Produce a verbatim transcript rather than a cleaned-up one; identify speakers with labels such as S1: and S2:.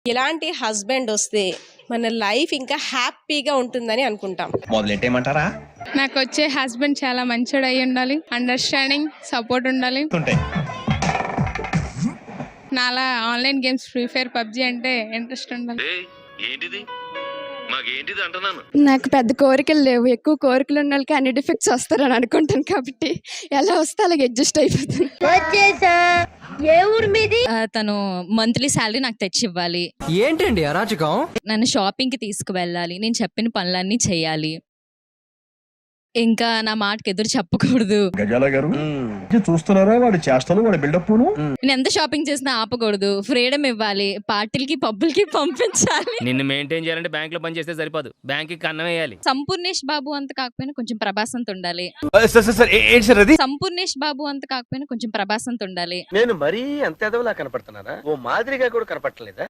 S1: ఇలాంటి హస్బెండ్ వస్తే మన లైఫ్ ఇంకా హ్యాపీగా ఉంటుందని అనుకుంటాం.
S2: మొదలెట్టేయమంటారా?
S3: నాకు వచ్చే హస్బెండ్ చాలా మంచోడు అయి ఉండాలి, అండర్స్టాండింగ్, సపోర్ట్ ఉండాలి. నాలా online games free fire PUBG అంటే ఇంట్రెస్ట్ ఉండాలి.
S4: ఏంటిది మాకేంటిది అంటున్నాను.
S5: నాకు పెద్ద కోరికలు లేవు, ఎక్కువ కోరికలు ఉన్న వాళ్ళకి అన్ని డిఫెక్ట్స్ వస్తారని అనుకుంటాను కాబట్టి ఎలా వస్తే అలాగే అడ్జస్ట్ అయిపోతాను.
S6: తను మంత్లీ శాలరీ నాకు తెచ్చి ఇవ్వాలి.
S7: ఏంటండి అరాచకం?
S6: నన్ను షాపింగ్ కి తీసుకువెళ్ళాలి, నేను చెప్పిన పనులన్నీ చేయాలి, ఇంకా నా మాటకి ఎదురు చెప్పకూడదు.
S2: గజాల గారు చూస్తున్నారా వాడి చేష్టలు, వాడి బిల్డప్.
S6: నేను ఎంత షాపింగ్ చేసినా ఆపకూడదు, ఫ్రీడమ్ ఇవ్వాలి, పార్టీలకి పబ్బులకి పంపించాలి.
S4: నిన్ను మెయింటైన్ చేయాలంటే బ్యాంక్ లో పని చేస్తే సరిపోదు, బ్యాంక్ కి అన్నం వేయాలి.
S6: సంపూర్ణేష్ బాబు అంత కాకపోయినా కొంచెం ప్రభాస్ అంత ఉండాలి. సంపూర్ణేష్ బాబు అంత కాకపోయినా కొంచెం ప్రభాస్ అంత ఉండాలి.
S8: నేను మరీ అంత ఎదవలా కనపడుతున్నారా? ఓ మాదిరిగా కూడా కనపడలేదా?